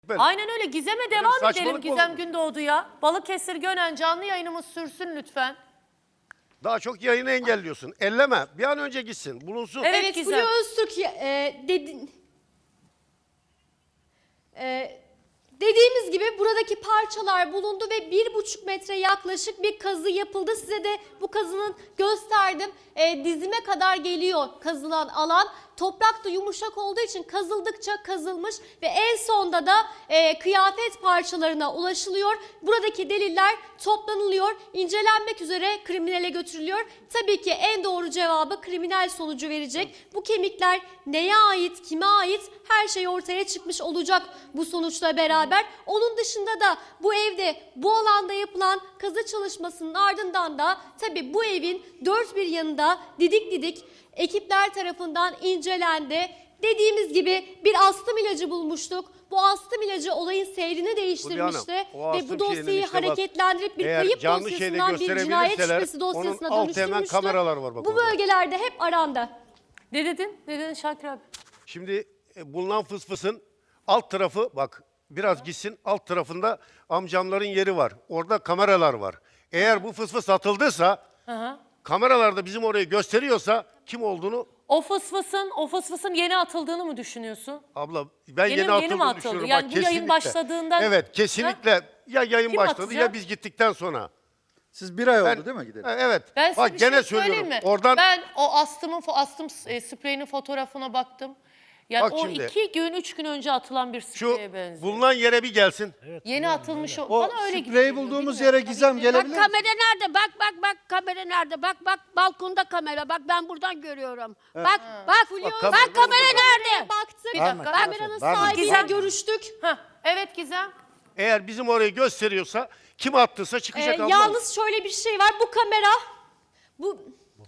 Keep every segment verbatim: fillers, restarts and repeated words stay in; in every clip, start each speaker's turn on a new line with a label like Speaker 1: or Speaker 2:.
Speaker 1: Böyle.
Speaker 2: Aynen öyle. Gizem'e
Speaker 1: Öyle
Speaker 2: devam
Speaker 1: bir saçmalık
Speaker 2: edelim
Speaker 1: mı
Speaker 2: Gizem
Speaker 1: olur?
Speaker 2: Gündoğdu'ya. Balıkesir Gönen canlı yayınımız sürsün lütfen.
Speaker 1: Daha çok yayını engelliyorsun. Elleme. Bir an önce gitsin. Bulunsun.
Speaker 2: Evet,
Speaker 3: Evet,
Speaker 2: Gizem.
Speaker 3: Fulya Öztürk e, dedi, e, dediğimiz gibi buradaki parçalar bulundu ve bir buçuk metre yaklaşık bir kazı yapıldı. Size de bu kazının gösterdim. E, dizime kadar geliyor kazılan alan. Toprak da yumuşak olduğu için kazıldıkça kazılmış ve en sonda da e, kıyafet parçalarına ulaşılıyor. Buradaki deliller toplanılıyor, incelenmek üzere kriminale götürülüyor. Tabii ki en doğru cevabı kriminal sonucu verecek. Bu kemikler neye ait, kime ait her şey ortaya çıkmış olacak bu sonuçla beraber. Onun dışında da bu evde, bu alanda yapılan kazı çalışmasının ardından da tabii bu evin dört bir yanında didik didik ekipler tarafından incelendi. Dediğimiz gibi bir astım ilacı bulmuştuk. Bu astım ilacı olayın seyrini değiştirmişti
Speaker 1: Hanım, o
Speaker 3: ve
Speaker 1: astım
Speaker 3: bu dosyayı
Speaker 1: şeyinin işte bak,
Speaker 3: hareketlendirip bir
Speaker 1: eğer
Speaker 3: kayıp
Speaker 1: canlı şeyde
Speaker 3: dosyasından bir cinayet
Speaker 1: gösterebilirseler,
Speaker 3: şüphesi dosyasına
Speaker 1: onun altı hemen
Speaker 3: dönüştürmüştü.
Speaker 1: kameralar var bak
Speaker 3: Bu
Speaker 1: orada.
Speaker 3: bölgelerde hep arandı.
Speaker 2: Ne dedin? Ne dedin Şakir abi?
Speaker 1: Şimdi e, bulunan fısfısın alt tarafı bak biraz gitsin, alt tarafında amcamların yeri var. Orada kameralar var. Eğer bu fısfıs atıldıysa,
Speaker 2: Hı hı.
Speaker 1: kameralarda bizim orayı gösteriyorsa kim olduğunu
Speaker 2: O fısfısın, o fısfısın yeni atıldığını mı düşünüyorsun?
Speaker 1: abla ben
Speaker 2: Yeni-
Speaker 1: yeni,
Speaker 2: yeni mi
Speaker 1: atıldığını
Speaker 2: atıldı?
Speaker 1: düşünüyorum.
Speaker 2: Yani
Speaker 1: Bak,
Speaker 2: bu yayın
Speaker 1: kesinlikle.
Speaker 2: başladığından-
Speaker 1: Evet kesinlikle ya yayın
Speaker 2: Kim
Speaker 1: başladı
Speaker 2: atacak?
Speaker 1: ya biz gittikten sonra.
Speaker 4: Siz bir ay oldu
Speaker 1: Ben-
Speaker 4: değil mi gidelim?
Speaker 1: Ha, Evet.
Speaker 2: Ben size
Speaker 1: Bak
Speaker 2: bir
Speaker 1: gene
Speaker 2: şey
Speaker 1: söylüyorum.
Speaker 2: söyleyeyim mi?
Speaker 1: Oradan
Speaker 2: Ben o astımın, fo- astım e, spreyinin fotoğrafına baktım. Yani
Speaker 1: Bak
Speaker 2: o
Speaker 1: şimdi.
Speaker 2: iki gün, üç gün önce atılan bir
Speaker 1: şu
Speaker 2: spreye benziyor.
Speaker 1: bulunan yere bir gelsin.
Speaker 2: Yeni atılmış o.
Speaker 4: O
Speaker 2: Bana öyle
Speaker 4: spreyi
Speaker 2: geliyor,
Speaker 4: bulduğumuz
Speaker 2: bilmiyorum.
Speaker 4: yere Gizem
Speaker 2: Tabii ki.
Speaker 4: gelebilir
Speaker 5: Bak
Speaker 4: misin?
Speaker 5: kamera nerede? Bak bak bak kamera nerede? Bak bak balkonda kamera. Bak ben buradan görüyorum. Bak bak
Speaker 1: Bak,
Speaker 5: bak,
Speaker 1: kamera-
Speaker 5: kamera nerede?
Speaker 3: Baktık,
Speaker 2: Bir dakika.
Speaker 3: kameranın
Speaker 4: Var mı?
Speaker 3: sahibiyle
Speaker 2: Gizem-
Speaker 3: görüştük.
Speaker 2: Hah, evet Gizem.
Speaker 1: Eğer bizim orayı gösteriyorsa kim attıysa
Speaker 3: Ee,
Speaker 1: çıkacak abla.
Speaker 3: yalnız şöyle bir şey var, bu kamera, bu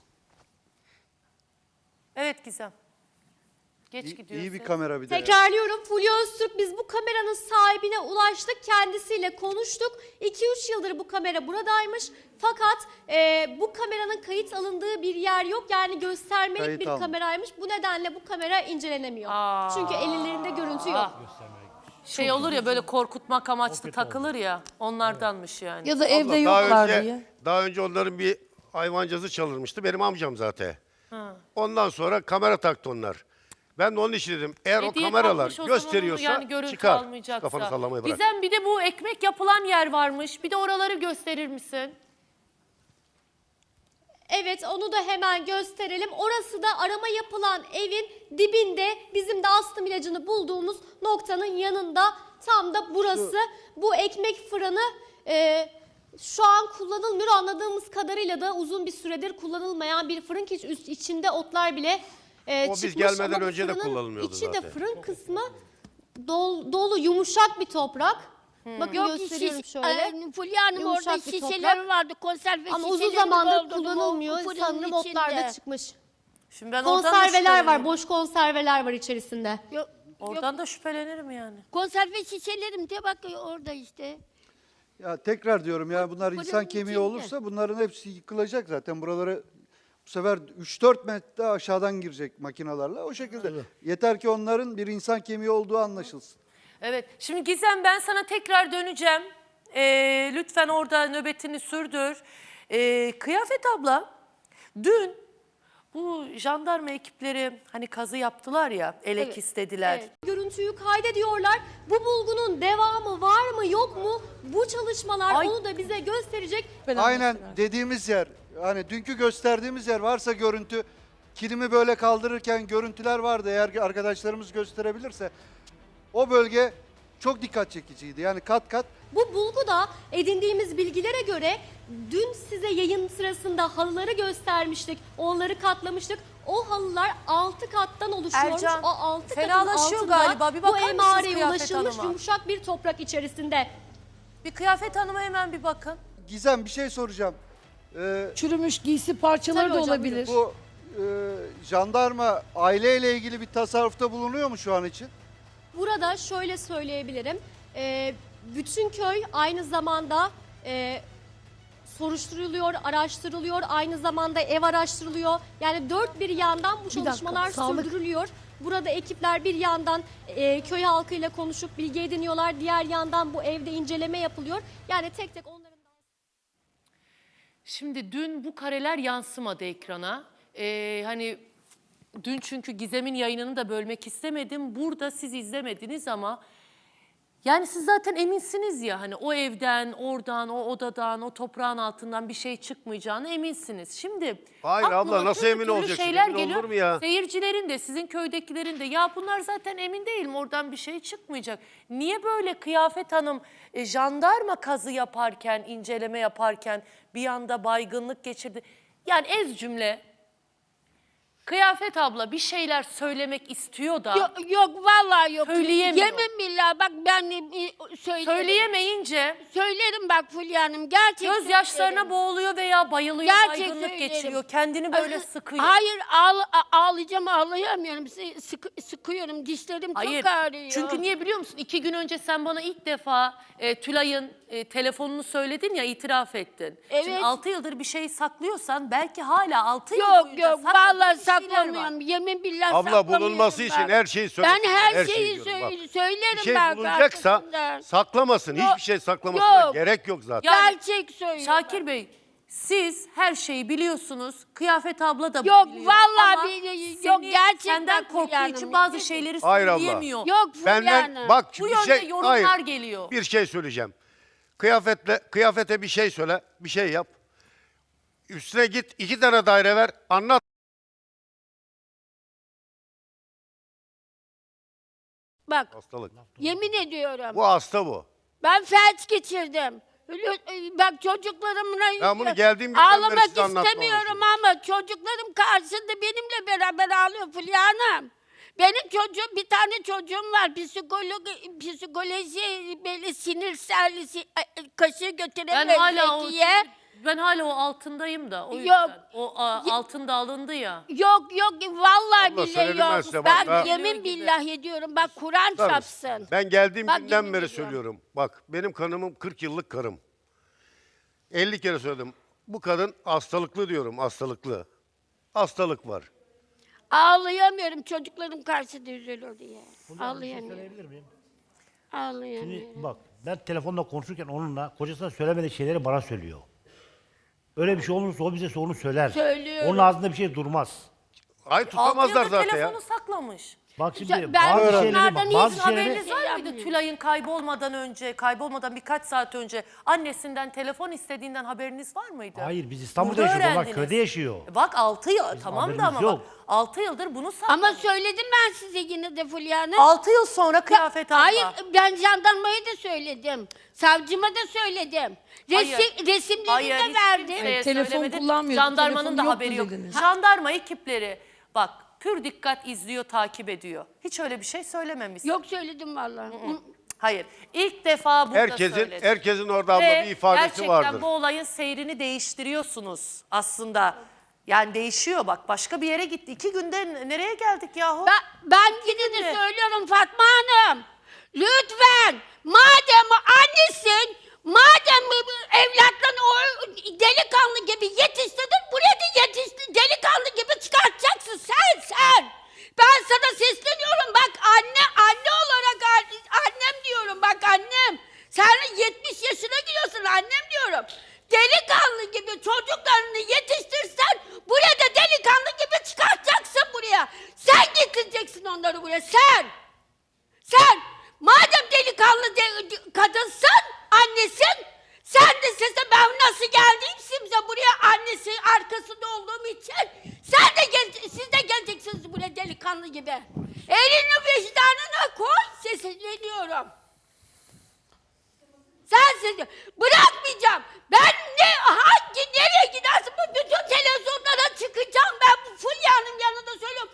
Speaker 2: Evet Gizem. Geç
Speaker 4: İyi,
Speaker 2: gidiyorsun.
Speaker 4: iyi bir kamera bir de. ya.
Speaker 3: tekrarlıyorum, Fulya Öztürk, biz bu kameranın sahibine ulaştık, kendisiyle konuştuk. iki üç yıldır bu kamera buradaymış. Fakat e, bu kameranın kayıt alındığı bir yer yok. Yani göstermelik
Speaker 4: Kayıt
Speaker 3: bir
Speaker 4: almış.
Speaker 3: kameraymış. Bu nedenle bu kamera incelenemiyor.
Speaker 2: Aa.
Speaker 3: Çünkü ellerinde görüntü yok.
Speaker 2: Şey olur ya böyle korkutmak amaçlı takılır ya. Onlardanmış yani.
Speaker 6: Ya da
Speaker 1: Abla,
Speaker 6: evde
Speaker 1: daha
Speaker 6: yoklar
Speaker 1: önce,
Speaker 6: diye.
Speaker 1: Daha önce onların bir hayvancası çalınmıştı. Benim amcam zaten. Ondan sonra kamera taktı onlar. Ben de onun için dedim. Eğer o
Speaker 2: Hediye
Speaker 1: kameralar
Speaker 2: takmış, o zaman
Speaker 1: gösteriyorsa
Speaker 2: yani görüntü
Speaker 1: çıkar.
Speaker 2: almayacaksa.
Speaker 1: Kafanı sallamayı bırak.
Speaker 2: Gizem bir de bu ekmek yapılan yer varmış. Bir de oraları gösterir misin?
Speaker 3: Evet, onu da hemen gösterelim. Orası da arama yapılan evin dibinde, bizim de astım ilacını bulduğumuz noktanın yanında, tam da burası. Bu ekmek fırını e, şu an kullanılmıyor, anladığımız kadarıyla da uzun bir süredir kullanılmayan bir fırın ki iç- içinde otlar bile e,
Speaker 1: O biz
Speaker 3: çıkmış.
Speaker 1: gelmeden
Speaker 3: Ama bu
Speaker 1: önce de
Speaker 3: fırının
Speaker 1: kullanılmıyordu
Speaker 3: içi de
Speaker 1: zaten.
Speaker 3: fırın kısmı dol- dolu, yumuşak bir toprak. Bakın
Speaker 5: Yok
Speaker 3: gösteriyorum
Speaker 5: şiş,
Speaker 3: şöyle.
Speaker 5: e, Fulya Hanım
Speaker 3: Yumuşak
Speaker 5: orada
Speaker 3: bir
Speaker 5: şişeler
Speaker 3: toprak.
Speaker 5: vardı. Konserve
Speaker 3: Ama uzun
Speaker 5: şişelerini
Speaker 3: zamandır
Speaker 5: doldurdum o
Speaker 3: kullanılmıyor.
Speaker 5: fırının
Speaker 3: Sanırım otlar da
Speaker 5: içinde.
Speaker 3: çıkmış.
Speaker 2: Şimdi ben oradan da
Speaker 3: Konserveler var,
Speaker 2: şüphelenirim.
Speaker 3: boş konserveler var içerisinde.
Speaker 5: Yok, yok,
Speaker 2: Oradan da şüphelenirim yani.
Speaker 5: konserve şişelerim de bak orada işte.
Speaker 4: Ya tekrar diyorum ya bunlar
Speaker 5: Fırının
Speaker 4: insan kemiği
Speaker 5: içinde.
Speaker 4: olursa bunların hepsi yıkılacak zaten. Buraları bu sefer üç dört metre aşağıdan girecek makinalarla o şekilde. Yeter ki onların bir insan kemiği olduğu anlaşılsın.
Speaker 2: Evet. Şimdi Gizem ben sana tekrar döneceğim. Ee, lütfen orada nöbetini sürdür. Ee, Kıyafet abla dün bu jandarma ekipleri hani kazı yaptılar ya, elek
Speaker 3: Evet,
Speaker 2: istediler.
Speaker 3: Evet. Görüntüyü kaydediyorlar. Bu bulgunun devamı var mı yok mu? Bu çalışmalar
Speaker 2: Ay.
Speaker 3: onu da bize gösterecek.
Speaker 4: Aynen dediğimiz yer, hani dünkü gösterdiğimiz yer varsa görüntü, kilimi böyle kaldırırken görüntüler vardı eğer arkadaşlarımız gösterebilirse. O bölge çok dikkat çekiciydi. Yani kat kat
Speaker 3: Bu bulguda edindiğimiz bilgilere göre dün size yayın sırasında halıları göstermiştik. Onları katlamıştık. O halılar altı kattan oluşuyormuş.
Speaker 2: Ercan,
Speaker 3: o altı katın
Speaker 2: fenalaşıyor
Speaker 3: altında
Speaker 2: galiba. Bir
Speaker 3: bu
Speaker 2: bakar mısınız
Speaker 3: emareye
Speaker 2: Kıyafet
Speaker 3: ulaşılmış
Speaker 2: Hanım'a?
Speaker 3: yumuşak bir toprak içerisinde.
Speaker 2: Bir Kıyafet Hanım'a hemen bir bakın.
Speaker 4: Gizem bir şey soracağım. Ee,
Speaker 6: Çürümüş giysi parçaları
Speaker 3: Tabii
Speaker 6: da
Speaker 3: hocam,
Speaker 6: olabilir.
Speaker 4: bu e, jandarma aileyle ilgili bir tasarrufta bulunuyor mu şu an için?
Speaker 3: Burada şöyle söyleyebilirim. Ee, bütün köy aynı zamanda e, soruşturuluyor, araştırılıyor. Aynı zamanda ev araştırılıyor. Yani dört bir yandan bu
Speaker 6: dakika,
Speaker 3: çalışmalar
Speaker 6: sağlık-
Speaker 3: sürdürülüyor. Burada ekipler bir yandan e, köy halkıyla konuşup bilgi ediniyorlar. Diğer yandan bu evde inceleme yapılıyor. Yani tek tek onların...
Speaker 2: Şimdi dün bu kareler yansımadı ekrana. Ee, hani dün çünkü Gizem'in yayınını da bölmek istemedim. Burada siz izlemediniz ama yani siz zaten eminsiniz ya hani o evden, oradan, o odadan, o toprağın altından bir şey çıkmayacağını eminsiniz. Şimdi
Speaker 1: Hayır abla,
Speaker 2: aklıma
Speaker 1: nasıl
Speaker 2: türlü
Speaker 1: emin
Speaker 2: türlü
Speaker 1: olacaksın?
Speaker 2: şeyler
Speaker 1: Emin
Speaker 2: geliyor.
Speaker 1: olur mu ya?
Speaker 2: Seyircilerin de sizin köydekilerin de ya bunlar zaten emin değilim oradan bir şey çıkmayacak. Niye böyle Kıyafet Hanım e, jandarma kazı yaparken, inceleme yaparken bir anda baygınlık geçirdi? Yani ez cümle Kıyafet abla bir şeyler söylemek istiyor da
Speaker 5: Yok, yok vallahi yok.
Speaker 2: Söyleyemiyor.
Speaker 5: Yemin billah bak ben e, söylerim.
Speaker 2: söyleyemeyince
Speaker 5: Söylerim bak Fulya Hanım gerçekten.
Speaker 2: gözyaşlarına
Speaker 5: söylerim.
Speaker 2: boğuluyor veya bayılıyor,
Speaker 5: Gerçek
Speaker 2: baygınlık
Speaker 5: söylerim.
Speaker 2: geçiriyor. Kendini böyle
Speaker 5: Ay,
Speaker 2: sıkıyor.
Speaker 5: Hayır ağla, a- ağlayacağım ağlayamıyorum. Sı- sıkı- sıkıyorum dişlerim
Speaker 2: Hayır.
Speaker 5: çok ağrıyor.
Speaker 2: Çünkü niye biliyor musun? İki gün önce sen bana ilk defa e, Tülay'ın e, telefonunu söyledin ya, itiraf ettin. Şimdi
Speaker 5: Evet.
Speaker 2: altı yıldır bir şey saklıyorsan belki hala altı yıl
Speaker 5: Yok
Speaker 2: boyunca
Speaker 5: yok
Speaker 2: sakladığın
Speaker 5: vallahi
Speaker 2: bir şeyler var.
Speaker 5: saklamıyorum. Yemin billah
Speaker 1: Abla
Speaker 5: saklamıyorum
Speaker 1: bulunması
Speaker 5: ben.
Speaker 1: için her şeyi söylesin.
Speaker 5: Ben her,
Speaker 1: her
Speaker 5: şeyi
Speaker 1: diyorum,
Speaker 5: söyle-
Speaker 1: bak.
Speaker 5: söylerim
Speaker 1: Bir şey
Speaker 5: ben
Speaker 1: bulunacaksa
Speaker 5: arkasından.
Speaker 1: saklamasın.
Speaker 5: Yok,
Speaker 1: Hiçbir şey saklamasına
Speaker 5: yok.
Speaker 1: gerek yok zaten.
Speaker 2: Yani
Speaker 5: Gerçek söylüyorum.
Speaker 2: Şakir Bey, siz her şeyi biliyorsunuz. Kıyafet abla da
Speaker 5: Yok,
Speaker 2: biliyor.
Speaker 5: vallahi
Speaker 2: Ama
Speaker 5: bili- yok,
Speaker 2: seni-
Speaker 5: gerçekten
Speaker 2: Senden korktuğu
Speaker 5: Fulya
Speaker 2: için
Speaker 5: Hanım.
Speaker 2: bazı şeyleri
Speaker 1: Hayır abla.
Speaker 2: söyleyemiyor.
Speaker 5: Yok Fulya
Speaker 1: Benden
Speaker 5: Hanım.
Speaker 1: bak
Speaker 2: Bu
Speaker 1: bir
Speaker 2: yönde
Speaker 1: şey
Speaker 2: yorumlar
Speaker 1: hayır,
Speaker 2: geliyor.
Speaker 1: Bir şey söyleyeceğim. Kıyafetle kıyafete bir şey söyle, bir şey yap. Üstüne git iki tane daire ver, anlat.
Speaker 5: Bak
Speaker 1: Hastalık.
Speaker 5: yemin ediyorum.
Speaker 1: Bu hasta bu.
Speaker 5: Ben felç geçirdim. Lü- Bak çocuklarımla
Speaker 1: Ben bunu geldiğim günden beri
Speaker 5: ağlamak
Speaker 1: size anlatmaya
Speaker 5: istemiyorum ama çocuklarım karşısında benimle beraber ağlıyor Fulya Hanım. Benim çocuğum, bir tane çocuğum var. Psikoloji, psikoloji böyle sinirsel, si- kaşığı
Speaker 2: Ben
Speaker 5: götüremez
Speaker 2: hala o
Speaker 5: Zekiye.
Speaker 2: ben hala o altındayım da o
Speaker 5: Yok.
Speaker 2: yüzden. O a,
Speaker 5: Ye-
Speaker 2: altın da alındı ya.
Speaker 5: Yok yok vallahi
Speaker 1: Abla,
Speaker 5: billahi
Speaker 1: söyledim ben
Speaker 5: yok.
Speaker 1: size,
Speaker 5: Ben,
Speaker 1: bak, ha.
Speaker 5: yemin billah ediyorum. Bak Kur'an
Speaker 1: Tabii.
Speaker 5: çapsın.
Speaker 1: Ben geldiğim
Speaker 5: Bak,
Speaker 1: günden
Speaker 5: yemin
Speaker 1: beri
Speaker 5: ediyorum.
Speaker 1: söylüyorum. Bak benim kanımım kırk yıllık karım. elli kere söyledim. Bu kadın hastalıklı diyorum, hastalıklı. Hastalık var.
Speaker 5: Ağlayamıyorum çocuklarım karşısında üzülür diye.
Speaker 6: Buradan bir şey
Speaker 5: Ağlayamıyorum.
Speaker 6: söyleyebilir miyim?
Speaker 5: Ağlayamıyorum.
Speaker 6: Şimdi bak ben telefonda konuşurken onunla kocasına söylemediği şeyleri bana söylüyor. Öyle bir şey olursa o bize onu söyler.
Speaker 5: Söylüyorum.
Speaker 6: Onun ağzında bir şey durmaz.
Speaker 1: Ay
Speaker 2: Altı
Speaker 1: tutamazlar
Speaker 2: yıldır
Speaker 1: zaten ya.
Speaker 2: telefonu saklamış.
Speaker 6: Bak şimdi
Speaker 5: Ya ben
Speaker 6: bazı şeyleri
Speaker 5: bunlardan
Speaker 6: bak,
Speaker 5: hiç
Speaker 6: bazı
Speaker 2: Sizin
Speaker 6: şeyleri
Speaker 2: haberiniz var mıydı Tülay'ın kaybolmadan önce, kaybolmadan birkaç saat önce annesinden telefon istediğinden haberiniz var mıydı?
Speaker 6: Hayır biz İstanbul'da
Speaker 2: Burada
Speaker 6: yaşıyoruz. Onlar
Speaker 2: öğrendiniz.
Speaker 6: köyde yaşıyor.
Speaker 2: E Bak altı yıl tamam da
Speaker 6: haberimiz
Speaker 2: ama
Speaker 6: yok.
Speaker 2: bak altı yıldır bunu saklamış.
Speaker 5: Ama söyledim ben size yine de Fulya Hanım.
Speaker 2: altı yıl sonra Kıyafet abla.
Speaker 5: Hayır ben jandarmaya da söyledim. Savcıma da söyledim. Resi,
Speaker 2: Hayır.
Speaker 5: resimlerini
Speaker 2: Hayır,
Speaker 5: de
Speaker 2: hiç
Speaker 5: verdim.
Speaker 2: kimseye
Speaker 7: Yani telefon
Speaker 2: söylemedin.
Speaker 7: kullanmıyordu,
Speaker 2: Jandarmanın
Speaker 7: telefonu
Speaker 2: da
Speaker 7: yoktu
Speaker 2: haberi yok.
Speaker 7: dediniz.
Speaker 2: Jandarma ekipleri bak pür dikkat izliyor, takip ediyor. Hiç öyle bir şey söylememişsin.
Speaker 5: Yok söyledim vallahi.
Speaker 2: Hayır. İlk defa burada
Speaker 1: Herkesin
Speaker 2: söyledin.
Speaker 1: herkesin orada abla
Speaker 2: Ve
Speaker 1: bir ifadesi
Speaker 2: gerçekten
Speaker 1: vardır.
Speaker 2: bu olayın seyrini değiştiriyorsunuz aslında. Yani değişiyor bak başka bir yere gitti. İki günde n- nereye geldik yahu?
Speaker 5: Ben, ben yine de
Speaker 2: günde.
Speaker 5: söylüyorum Fatma Hanım. Lütfen madem annesin, madem evlatlarını o delikanlı gibi yetiştirdin, buraya da yetiştir, delikanlı gibi çıkartacaksın sen sen. Ben sana sesleniyorum bak anne, anne olarak an- annem diyorum bak annem. Sen yetmiş yaşına giriyorsun annem diyorum. Delikanlı gibi çocuklarını yetiştirsen buraya da delikanlı gibi çıkartacaksın buraya. Sen getireceksin onları buraya sen. Sen madem delikanlı de, de- kadınsın, annesin, sen de sese ben nasıl geldiğimse buraya annesi arkasında olduğum için sen de gel, siz de geleceksiniz buraya delikanlı gibi. Elini vicdanına koy, sesleniyorum. Sensiz bırakmayacağım. Ben ne hangi nereye gidersin bu bütün televizyonlara çıkacağım ben bu Fulya'nın yanında söylüyorum.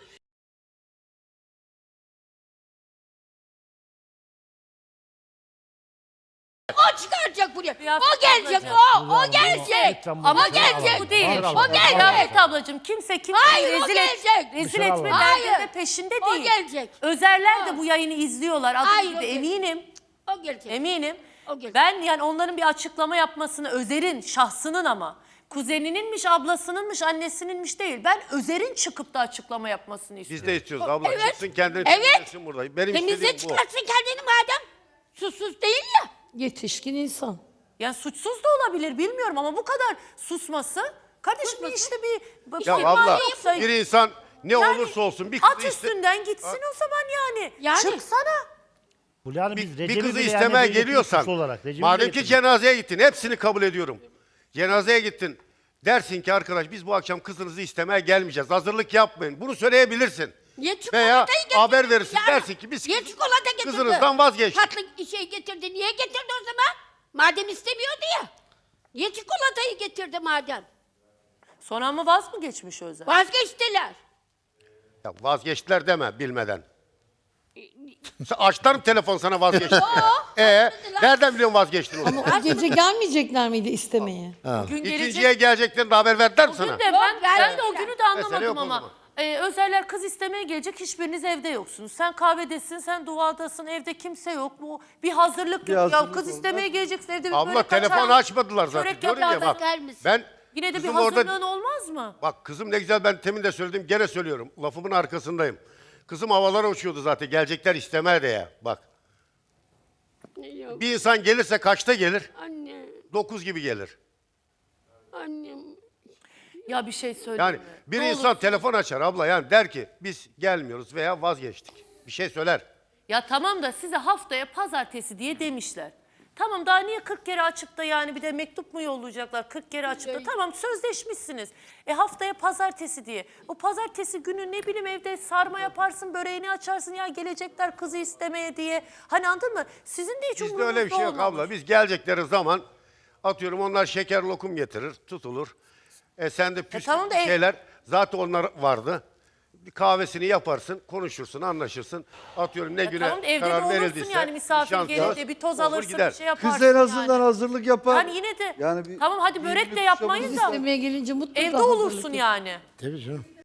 Speaker 5: O çıkaracak buraya.
Speaker 2: Kıyafet
Speaker 5: O gelecek
Speaker 2: ablacığım.
Speaker 5: o. O gelecek.
Speaker 6: Lütfen bunu
Speaker 2: Ama
Speaker 5: O
Speaker 6: dışarı
Speaker 5: gelecek.
Speaker 6: alalım.
Speaker 2: bu değil.
Speaker 6: Dışarı
Speaker 5: O
Speaker 6: alalım.
Speaker 5: gelecek.
Speaker 2: Kıyafet ablacığım kimse kimseyi
Speaker 5: Hayır, o
Speaker 2: rezil, et,
Speaker 5: gelecek.
Speaker 2: rezil
Speaker 6: Dışarı
Speaker 2: etme
Speaker 6: alalım.
Speaker 2: derdinde
Speaker 5: Hayır.
Speaker 2: peşinde
Speaker 5: O
Speaker 2: değil.
Speaker 5: gelecek.
Speaker 2: Özerler de
Speaker 5: Ha.
Speaker 2: bu yayını izliyorlar. Adım
Speaker 5: Hayır,
Speaker 2: gibi
Speaker 5: o gelecek.
Speaker 2: eminim.
Speaker 5: O gelecek.
Speaker 2: Eminim.
Speaker 5: O gelecek.
Speaker 2: Ben yani onların bir açıklama yapmasını, Özer'in şahsının ama Kuzenininmiş, ablasınınmış, annesininmiş değil. Ben Özer'in çıkıp da açıklama yapmasını
Speaker 1: Biz
Speaker 2: istiyorum.
Speaker 1: de istiyoruz abla.
Speaker 5: Evet.
Speaker 1: Çıksın kendini
Speaker 5: Evet.
Speaker 1: temizlesin burada. Benim
Speaker 5: Temizle
Speaker 1: istediğim bu.
Speaker 5: çıkarsın kendini madem. Susuz değil ya.
Speaker 7: Yetişkin insan.
Speaker 2: Yani suçsuz da olabilir bilmiyorum ama bu kadar susması. Kardeşim bir işte bir... bir
Speaker 1: Ya
Speaker 2: ihmal
Speaker 1: abla
Speaker 2: yoksa-
Speaker 1: bir insan ne
Speaker 2: Yani
Speaker 1: olursa olsun bir
Speaker 2: at
Speaker 1: kızı iste-
Speaker 2: üstünden gitsin o zaman yani.
Speaker 5: Yani.
Speaker 2: Çıksana.
Speaker 6: Fulya Hanım, biz
Speaker 1: bir, bir
Speaker 6: Recep'i
Speaker 1: kızı
Speaker 6: bile yani
Speaker 1: istemeye
Speaker 6: böyle
Speaker 1: geliyorsan,
Speaker 6: suçlu olarak, Recep'i
Speaker 1: madem
Speaker 6: bile
Speaker 1: ki
Speaker 6: getirdik.
Speaker 1: cenazeye gittin, hepsini kabul ediyorum. Cenazeye gittin, dersin ki arkadaş biz bu akşam kızınızı istemeye gelmeyeceğiz, hazırlık yapmayın. Bunu söyleyebilirsin.
Speaker 5: Ye çikolatayı
Speaker 1: Veya
Speaker 5: getirdin
Speaker 1: haber verirsin,
Speaker 5: ya.
Speaker 1: dersin ki biz
Speaker 5: Ye
Speaker 1: kız-
Speaker 5: çikolata getirdi.
Speaker 1: kızınızdan vazgeçtik.
Speaker 5: Tatlı şey getirdi. Niye getirdi o zaman? Madem istemiyordu ya. Ye çikolatayı getirdi madem.
Speaker 2: Sonra ama vaz mı geçmiş Özer?
Speaker 5: Vazgeçtiler.
Speaker 1: Ya vazgeçtiler deme bilmeden. Sen açlarım telefon sana vazgeçtin. Ee, nereden biliyorsun vazgeçtin onu?
Speaker 7: O gece gelmeyecekler miydi istemeye?
Speaker 2: Gün gelecek.
Speaker 1: İkinciye geleceklerini de haber verdiler mi
Speaker 2: Bugün
Speaker 1: sana?
Speaker 2: de ben, ben de
Speaker 5: vermediler.
Speaker 2: o günü de
Speaker 1: Mesele
Speaker 2: anlamadım
Speaker 1: yok o
Speaker 2: ama.
Speaker 1: zaman.
Speaker 2: Ee, Özerler kız istemeye gelecek, hiçbiriniz evde yoksunuz. Sen kahvedesin, sen duadasın, evde kimse yok. Bu bir hazırlık
Speaker 4: Bir
Speaker 2: yok. Ya
Speaker 4: hazırlık
Speaker 2: kız
Speaker 4: oldu.
Speaker 2: istemeye geleceksin evde bir
Speaker 1: Abla
Speaker 2: börek
Speaker 1: telefon
Speaker 2: açar,
Speaker 1: açmadılar zaten.
Speaker 2: çörek
Speaker 1: Diyorum ya
Speaker 2: yapar.
Speaker 1: bak.
Speaker 5: Bakar mısın?
Speaker 1: Ben
Speaker 2: Yine de bir
Speaker 1: kızım
Speaker 2: hazırlığın
Speaker 1: orada,
Speaker 2: olmaz mı?
Speaker 1: bak kızım ne güzel, ben temin de söyledim gene söylüyorum. Lafımın arkasındayım. Kızım havalara uçuyordu zaten. Gelecekler istemeye de ya. Bak.
Speaker 5: Yok,
Speaker 1: Bir insan gelirse kaçta gelir?
Speaker 5: anne,
Speaker 1: Dokuz gibi gelir.
Speaker 5: annem.
Speaker 2: Ya bir şey söyleyeyim
Speaker 1: Yani
Speaker 2: mi?
Speaker 1: bir
Speaker 2: Ne
Speaker 1: insan
Speaker 2: olursun-
Speaker 1: telefon açar abla, yani der ki biz gelmiyoruz veya vazgeçtik. Bir şey söyler.
Speaker 2: Ya tamam da size haftaya pazartesi diye demişler. Tamam daha niye kırk kere açıp da yani bir de mektup mu yollayacaklar kırk kere açıp da tamam sözleşmişsiniz. E haftaya pazartesi diye. O pazartesi günü ne bileyim evde sarma yaparsın, böreğini açarsın ya gelecekler kızı istemeye diye. Hani anladın mı? Sizin de hiç
Speaker 1: Bizde öyle bir şey yok
Speaker 2: umurunuzda olmamış.
Speaker 1: abla. Biz gelecekleri zaman atıyorum onlar şeker lokum getirir, tutulur. E sen de püskü
Speaker 2: tamam da ev-
Speaker 1: şeyler, zaten onlar vardı. Bir kahvesini yaparsın, konuşursun, anlaşırsın. Atıyorum ne
Speaker 2: Ya
Speaker 1: güne
Speaker 2: tamam da evde de
Speaker 1: karar
Speaker 2: olursun
Speaker 1: verildiyse.
Speaker 2: yani misafir
Speaker 1: nişan
Speaker 2: gelir
Speaker 1: kağıt,
Speaker 2: de bir toz
Speaker 1: olur
Speaker 2: alırsın
Speaker 1: gider.
Speaker 2: bir şey yaparsın
Speaker 4: Kız en azından
Speaker 2: yani.
Speaker 4: hazırlık yapar.
Speaker 2: Yani yine de
Speaker 4: Yani bir-
Speaker 2: tamam hadi
Speaker 4: bir
Speaker 2: börek de
Speaker 4: günlük
Speaker 2: yapmayın
Speaker 4: kuşamız
Speaker 2: da
Speaker 7: İstemeye gelince mutlaka
Speaker 2: evde
Speaker 7: hazırlık
Speaker 2: olursun
Speaker 7: yapın.
Speaker 2: yani.
Speaker 8: Tabii canım.